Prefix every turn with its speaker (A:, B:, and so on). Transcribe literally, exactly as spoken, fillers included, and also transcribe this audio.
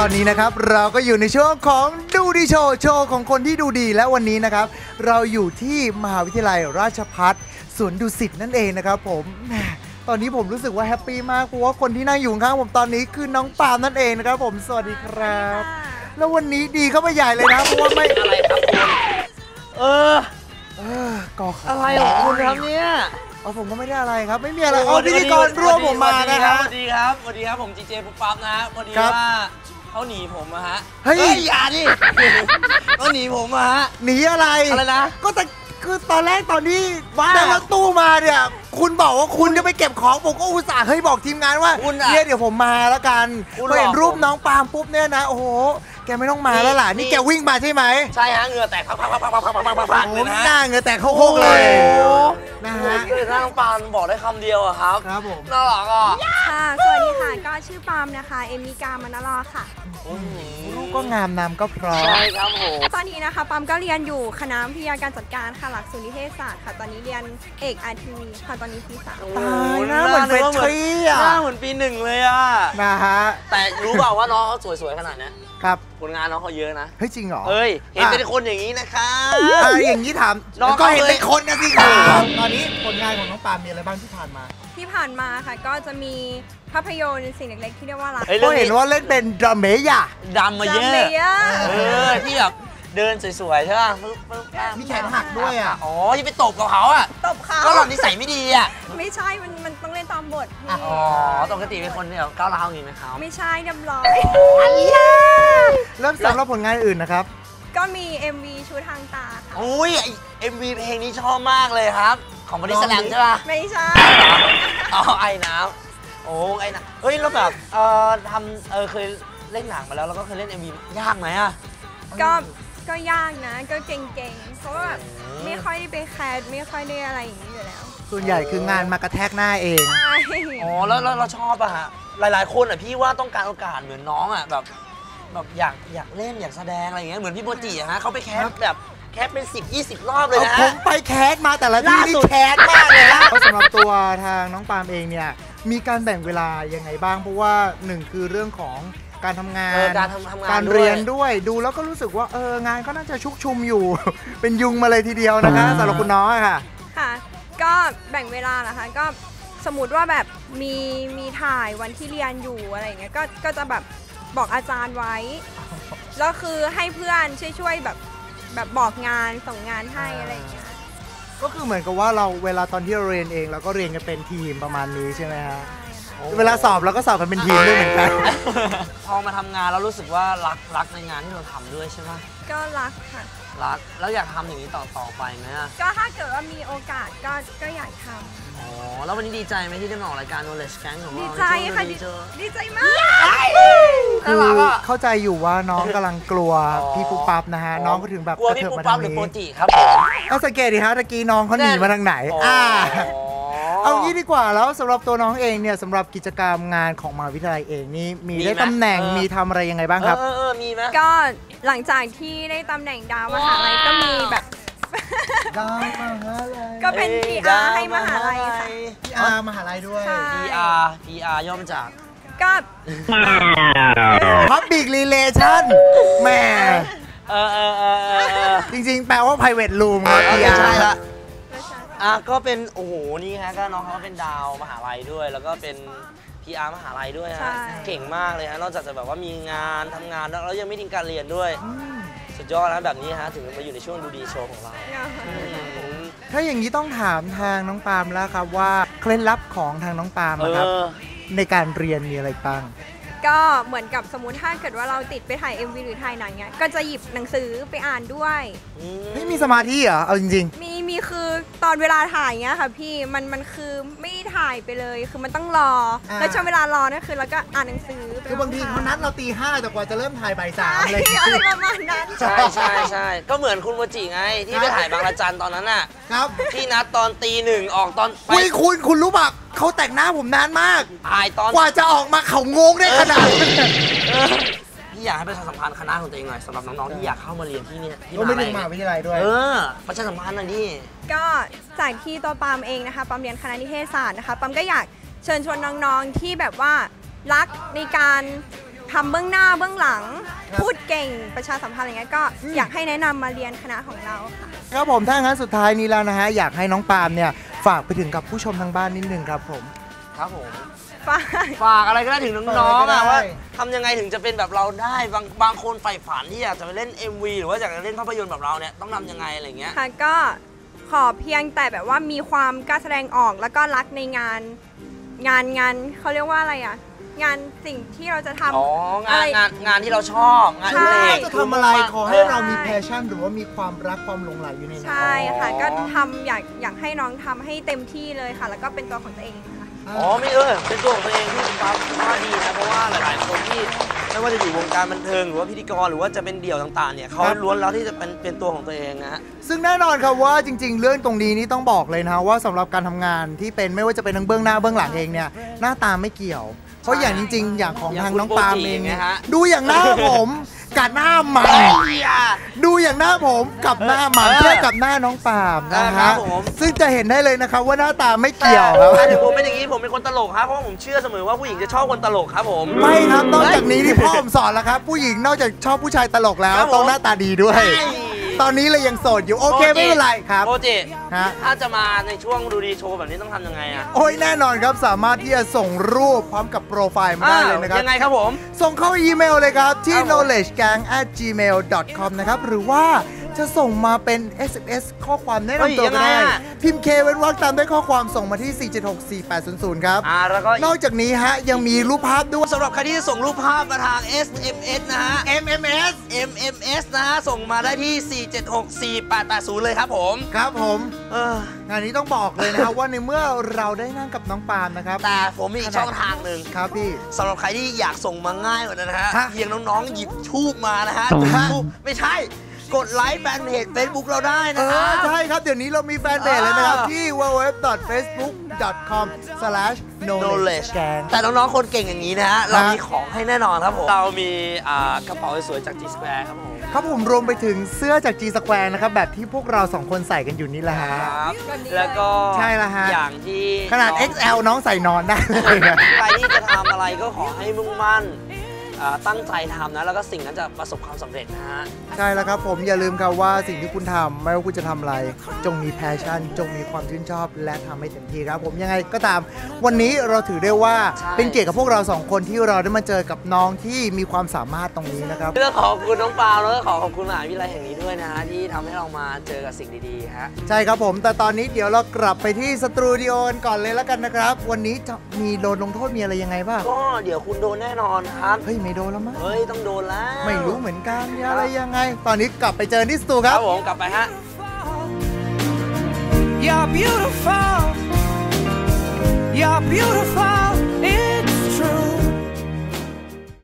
A: ตอนนี้นะครับเราก็อยู่ในช่วงของดูดีโชว์โชว์ของคนที่ดูดีและวันนี้นะครับเราอยู่ที่มหาวิทยาลัยราชภัฏสวนดุสิตนั่นเองนะครับผมตอนนี้ผมรู้สึกว่าแฮปปี้มากเพราะว่าคนที่นั่งอยู่ข้างผมตอนนี้คือน้องปาล์มนั่นเองนะครับผมสวัสดีครับแล้ววันนี้ดีเข้าไปใหญ่เลยนะเพราะว่าไม่
B: อะไรครับคุณเออ
A: เออก็
B: อะไรของคุณครับเนี่ย
A: อ๋อผมก็ไม่ได้อะไรครับไม่มีอะไรอ๋อพิธีกรร่วมผมมานะฮะ
B: สวัสดีครับสวัสดีครับผมจีเจปุ๊บปั๊บนะพอดีว่าเขาหนีผมอะฮะ
A: เฮ้ย
B: อย่าดิเขาหนีผมอะฮะ
A: หนีอะไร
B: อะไรนะ
A: ก็แต่คือตอนแรกตอนที่ได้รถตู้มาเนี่ยคุณบอกว่าคุณจะไปเก็บของผมก็อุตส่าห์เฮ้ยบอกทีมงานว่าเนี่ยเดี๋ยวผมมาแล้วกันพอเห็นรูปน้องปาล์มปุ๊บเนี่ยนะโอ้โหแกไม่ต้องมาแล้วล่ะนี่แกวิ่งมาใช่ไหม
B: ใช่ฮะเหงื่อแตกพักพักพักพักพักพักพักพักพักเลยนะ
A: หน้าเหงื่อแตกโคกเลยนะฮะ
B: คือน้องปาล์มบอกได้คำเดียวอะครับ
A: ครับผม
B: น่ารักอ่ะ
C: ค่ะสวัสดีค่ะก็ชื่อปาล์มนะคะเอมิกามานารอค่ะ
A: รูปก็งามนามก็พร้อม
B: ใช่ครับผม
C: ตอนนี้นะคะปาล์มก็เรียนอยู่คณะวิทยาการจัดการค่ะหลักสูตรนิเทศศาสตร์ค่ะตอนนี้เรียนเอกอาร์ทีค่ะตอนนี้ปีสาม
A: ตายนะเหมือนเป็นทรีอ่ะ
B: หน้าเหมือนปีหนึ่งเลยอ่ะ
A: นะฮะ
B: แต่รู้เปล่าว่าน้องเขาสวยๆขนาดนี้
A: ครับ
B: ผลงานน้องเขาเยอะนะ
A: เฮ้ยจริงเหรอ
B: เฮ้ยเห็นเป็นคนอย่างนี้นะคะ
A: อย่างนี้ถามก็เห็นเป็นคนนะสิครับตอนนี้ผลงานของน้องปาล์มมีอะไรบ้างที่ผ่านมา
C: ที่ผ่านมาค่ะก็จะมีภาพยนตร์สิ่งเล็กๆที่เรียกว่ารัก
A: ก็เห็นว่าเล่นเป็นดรัมเมย่า
B: ดำมาเยอะเออที่แบบเดินสวยๆใช่ป่ะ
A: มีแขนหักด้วยอ่ะ
B: อ๋อที่ไปตบกับเขาอ่ะ
C: ตบเขา
B: ก็หล่อนนิสัยไม่ดีอ่ะ
C: ไม่ใช่มันมันต้องเล่นตามบท
B: อ๋อปกติเป็นคนเนี่ยก้าวร้าวอย่างนี้ไหมครับ
C: ไม่ใช่เรียบร้อย
A: เริ่มสำหรับผลงานอื่นนะครับ
C: ก็มี เอ็ม วี ชุดทางตาค่ะ
B: อุ้ย เอ็ม วี เพลงนี้ชอบมากเลยครับของบริสแลมใช่ป่ะ
C: ไม่ใช่
B: อ๋อไอ้น้ำโอ้ไอ้น้ำเฮ้ยแล้วแบบเออทำเออเคยเล่นหนังมาแล้วแล้วก็เคยเล่น เอ็ม วี ยากไหมอ่ะ
C: ก็ก็ยากนะก็เก่งๆเพราะว่าแบบไม่ค่อยได้ไปแคสไม่ค่อยได้อะไรอย่างนี้อยู่แล้ว
A: ส่วนใหญ่คืองานมากระแทกหน้าเอง
B: อ๋อแล้วเราชอบอะฮะหลายๆคนอะพี่ว่าต้องการโอกาสเหมือนน้องอะแบบแบบอยากอยากเล่นอยากแสดงอะไรอย่างเงี้ยเหมือนพี่โบจิอะฮะเขาไปแคสแบบแคสเป็นสิบ ยี่สิบรอบเลยนะ
A: ผมไปแคสมาแต่ละที่นี่แคสมากเลยนะเพราะสำหรับตัวทางน้องปาล์มเองเนี่ยมีการแบ่งเวลายังไงบ้างเพราะว่าหนึ่งคือเรื่องของการทำงาน
B: การทำงาน
A: การเรียนด้วยดูแล้วก็รู้สึกว่าเอองานก็น่าจะชุกชุมอยู่ เป็นยุงมาเลยทีเดียวนะคะสำหรับคุณน้องค่ะ
C: ค่ะก็แบ่งเวลานะคะก็สมมติว่าแบบมีมีถ่ายวันที่เรียนอยู่อะไรอย่างเงี้ยก็ก็จะแบบบอกอาจารย์ไว้แล้วคือให้เพื่อนช่วยๆแบบแบบบอกงานส่งงานให้อะไรอย่างเงี้ย
A: ก็คือเหมือนกับว่าเราเวลาตอนที่เราเรียนเองเราก็เรียนกันเป็นทีมประมาณนี้ใช่ไหมฮะเวลาสอบเราก็สอบกันเป็นทีมด้วยเหมือนกัน
B: พอมาทำงานแล้วรู้สึกว่ารักรักในงานที่เราทำด้วยใช่ไหม
C: ก็รักค่ะ
B: รักแล้วอยากทำอย่างนี้ต่อต่อไปไหม
C: ก็ถ้าเกิดว่ามีโอกาสก็ก็อยากทำ
B: อ๋อแล้ววันนี้ดีใจไหมที่ได้มาออกรายการ Knowledge Gang ของเรา
C: ดีใจค่ะดีใจมาก
A: คือเข้าใจอยู่ว่าน้องกำลังกลัวพี่ปุ๊บปั๊บนะฮะน้องก็ถึงแบบ
B: กลัวพี่ปุ๊บปั๊บหรือโปจิครับผม
A: ก็สังเกตดิฮะตะกี้น้องเขาหนีมาทางไหนอ่าเอางี้ดีกว่าแล้วสำหรับตัวน้องเองเนี่ยสำหรับกิจกรรมงานของมหาวิทยาลัยเองนี่มีได้ตำแหน่งมีทำอะไรยังไงบ้างครับ
B: เออเออมีไหม
C: ก็หลังจากที่ได้ตำแหน่งดาวมหาลัยก็มีแบบ
A: ดาวมหาลัย
C: ก็เป็น พี อาร์ ให้มหาลัยค่ะ
A: พี อาร์ มหาลัยด้วย
B: พี อาร์ พี อาร์ ย่อมาจาก
C: ก็
A: Public Relation แม่
B: เออเออเออ
A: จริงๆแปลว่า Private Room ครับ
B: พี อาร์ ใช่ละอ่ะก็เป็นโอ้โหนี่ฮะก็น้องเขาเป็นดาวมหาลัยด้วยแล้วก็เป็น พี อาร์ มหาลัยด้วยฮะเก่งมากเลยฮะนอกจากจะแบบว่ามีงานทำงานแล้วยังไม่ทิ้งการเรียนด้วยสุดยอดนะแบบนี้ฮะถึงมาอยู่ในช่วงดูดีโชว์ของเรา
A: ถ้าอย่างนี้ต้องถามทางน้องปาล์มแล้วครับว่าเคล็ดลับของทางน้องปาล์มนะครับในการเรียนมีอะไรบ้าง
C: ก็เหมือนกับสมมุติถ้าเกิดว่าเราติดไปถ่าย เอ็ม วี หรือถ่ายหนังเนี้ยก็จะหยิบหนังสือไปอ่านด้วย
A: ไม่มีสมาธิเหรอเอาจริง
C: ๆมีมีคือตอนเวลาถ่ายเงี้ยค่ะพี่มันมันคือไม่ถ่ายไปเลยคือมันต้องรอแล้วช่วงเวลารอนั่นคือเราก็อ่านหนังสือ
A: คือบางทีเขานัดเราตีห้าแต่กว่าจะเริ่มถ่ายบ่ายสามอะไร
C: ประมาณนั้น
B: ใช่ใช่ใช่ก็เหมือนคุณโมจิไงที่ไปถ่ายบางระจันตอนนั้นน่ะ
A: ครับ
B: ที่นัดตอนตีหนึ่งออกตอน
A: ไปคุณคุณรู้ป่ะเขาแต่งหน้าผมนานมาก
B: ถ่ายตอน
A: กว่าจะออกมาเขางงได้ขนาด
B: พี่อยากให้ประชาสัมพันธ์คณะของตัวเองหน่อยสำหรับน้องๆที่อยากเข้ามาเรียนที่นี่
A: ก็ไม่ถึงมหาวิทยาลัยด้วย
B: เออประชาสัมพันธ์หน่อยดิ
C: ก็จากที่ตัวปาล์มเองนะคะปาล์มเรียนคณะนิเทศศาสตร์นะคะปาล์มก็อยากเชิญชวนน้องๆที่แบบว่ารักในการทำเบื้องหน้าเบื้องหลัง
A: ครับ
C: พูดเก่งประชาสัมพันธ์อะไรเงี้ยก็
A: อืม
C: อยากให้แนะนำมาเรียนคณะของเราค่ะ
A: ครับผมถ้างั้นสุดท้ายนี้แล้วนะฮะอยากให้น้องปาล์มเนี่ยฝากไปถึงกับผู้ชมทางบ้านนิดนึงครับผม
B: ครับผม
C: ฝ้าย
B: ฝากอะไรก็ได้ถึงน้องๆ
A: ฝากอะไรก็ได้
B: อะว่าทำยังไงถึงจะเป็นแบบเราได้บางบางคนใฝ่ฝันที่อยากจะไปเล่น เอ็ม วี หรือว่าอยากจะเล่นภาพยนตร์แบบเราเนี่ยต้องทำยังไงอะไรเงี้ย
C: ค่ะก็ขอเพียงแต่แบบว่ามีความกล้าแสดงออกแล้วก็รักในงานงานงานเขาเรียกว่าอะไรอ่ะงานสิ่งที่เราจะทำ
B: อ๋อ งาน
C: อะไร
B: งานงานที่เราชอบงาน
C: ใช่
B: อดิเรก
A: จะทำอะไรขอให้เรามี
C: ใช่
A: แพชชั่นหรือว่ามีความรักความหลงใหลอยู่ในนั้น
C: ใช่ค่ะ
B: อ๋อ
C: ก็ทำอยากอยากให้น้องทำให้เต็มที่เลยค่ะ แล้วก็เป็นตัวของตัวเองค่ะ
B: อ๋อไม่เออเป็นตัวของตัวเองที่คุณปั๊บว่าดีนะเพราะว่าหลาย ๆ คนที่ไม่ว่าจะอยู่วงการบันเทิงหรือว่าพิธีกรหรือว่าจะเป็นเดี่ยวต่าง ๆ เนี่ยเขาล้วนแล้วที่จะเป็นเป็นตัวของตัวเองนะฮะ
A: ซึ่งแน่นอนครับว่าจริง ๆ เรื่องตรงนี้นี่ต้องบอกเลยนะว่าสำหรับการทำงานที่เป็นไม่ว่าจะเป็นทั้งเบื้องหน้าเบื้องหลังเองเนี่ยหน้าตาไม่เกี่ยว เพราะอย่างจริง ๆ อย่างของ
B: อย่าง
A: ทาง
B: คุณ
A: น้องปาล์ม
B: โปรจิ
A: เอง
B: เนี่ยฮะ
A: ดูอย่างหน้าผมกับหน้าหมา
B: เฮ้ยอ่ะ
A: ดูอย่างหน้าผมกับหน้าหมา
B: เออ
A: เทียบกับหน้าน้องปาล์มนะ
B: ครั
A: ฮะ
B: บผม
A: ซึ่งจะเห็นได้เลยนะครับว่าหน้าตาไม่เกี่ยวครับ
B: แต่ถึงผมเป็นอย่างนี้ผมเป็นคนตลกครับเพราะว่าผมเชื่อเสมอว่าผู้หญิงจะชอบคนตลกครับผม
A: ไม่ครับนอกจากนี้ที่พ่อผมสอนแล้วครับ ผู้หญิงนอกจากชอบผู้ชายตลกแล้ว
B: ครับผม
A: ต้องหน้าตาดีด้วย
B: ใช่
A: ตอนนี้เลยยังโสดอยู่โอเคไม่เป็นไรครับ
B: โปรเจ
A: ฮะ
B: ถ้าจะมาในช่วงดูดีโชว์แบบนี้ต้องทำยังไงอ่ะ
A: โอ้ยแน่นอนครับสามารถที่จะส่งรูปพร้อมกับโปรไฟล์มาได้เลยนะครับ
B: ยังไงครับผม
A: ส่งเข้าอีเมลเลยครับ ที่
B: ครับผม
A: knowledgegang at gmail dot com นะครับ หรือว่าจะส่งมาเป็น เอส เอ็ม เอส ข้อความแนะนำตัวก็ได้ พิมพ์ K เว้นวรรคตามด้วยข้อความส่งมาที่ สี่ เจ็ด หก สี่ แปด ศูนย์ ศูนย์ ครับ
B: อ่าแล้วก็
A: นอกจากนี้ฮะ ยังมีรูปภาพด้วย
B: สำหรับใครที่จะส่งรูปภาพมาทาง เอส เอ็ม เอส นะฮะ
A: เอ็ม เอ็ม เอส
B: เอ็ม เอ็ม เอส นะฮะ ส่งมาได้ที่ สี่ เจ็ด หก สี่ แปด แปด ศูนย์ เลยครับผม
A: ครับผม
B: เออ
A: งานนี้ต้องบอกเลยนะครับ ว่าในเมื่อเราได้นั่งกับน้องปาล์มนะครับ
B: แต่ผมมีอีกช่องทางหนึ่ง
A: ครับพี่
B: สำหรับใครที่อยากส่งมาง่ายกว่านั้นนะฮะ
A: ฮะ
B: เพียงน้องๆ หยิบทูบมานะฮะจุดทูบไม่ใช่ กดไลค์แฟนเพจ Facebook เราได้
A: เอ
B: นะครั
A: อบ ใช่ครับ เดี๋ยวนี้เรามีแฟนเพจเลยนะครับ
B: อ่า
A: ที่ ดับเบิลยู ดับเบิลยู ดับเบิลยู ดอท เฟซบุ๊ก ดอท คอม สแลช โนเลจ แกง
B: แต่น้องๆ คนเก่งอย่างนี้นะฮะ เรามีของให้แน่นอนครับผม เรามีอ่ากระเป๋าสวยๆจาก G Square ครับผม
A: ครับผมรวมไปถึงเสื้อจาก G Square นะครับ แบบที่พวกเราสองคนใส่กันอยู่นี่แหละฮะ
B: ครับ
C: แบบนี้เลย
B: แล้วก็
A: ใช่ละฮะ
B: อย่างที่
A: ขนาด
B: น้อง
A: เอ็กซ์ แอล น้องใส่นอนได้เลยนะ
B: ใครที่จะทำอะไรก็ขอให้มุ่งมั่นอ่าตั้งใจทำนะ แล้วก็สิ่งนั้นจะประสบความสำเร็จนะฮะ
A: ใช่แล้วครับผมอย่าลืมครับว่าสิ่งที่คุณทำไม่ว่าคุณจะทำอะไร จงมีแพชชั่น จงมีความชื่นชอบ และทำให้เต็มที่ครับผมยังไงก็ตาม วันนี้เราถือได้ว่า
B: ใช่
A: เป็นเกียรติกับพวกเราสองคนที่เราได้มาเจอกับน้องที่มีความสามารถตรงนี้นะครับ
B: เรื่องขอบคุณน้องปาวแล้วก็ขอขอบคุณมหาวิทยาลัยแห่งนี้ด้วยนะฮะที่ทำให้เรามาเจอกับสิ่งดีๆฮะ
A: ใช่ครับผม แต่ตอนนี้เดี๋ยวเรากลับไปที่สตูดิโอกันก่อนเลยแล้วกันนะครับ วันนี้จะมีโดนลงโทษมีอะไรยังไงบ้าง
B: ก็เดี๋ยวคุณโดนแน่นอนครับ
A: เฮ้ยไม่โดนแล้วมั้ง
B: เฮ้ย ต้องโดนแล้ว
A: ไม่รู้เหมือนกันมีอะไรยังไง ตอนนี้กลับไปเจอที่สตูค
B: ค
A: รั
B: รับ บผมกลับไปฮะ
D: You're beautiful. You're beautiful.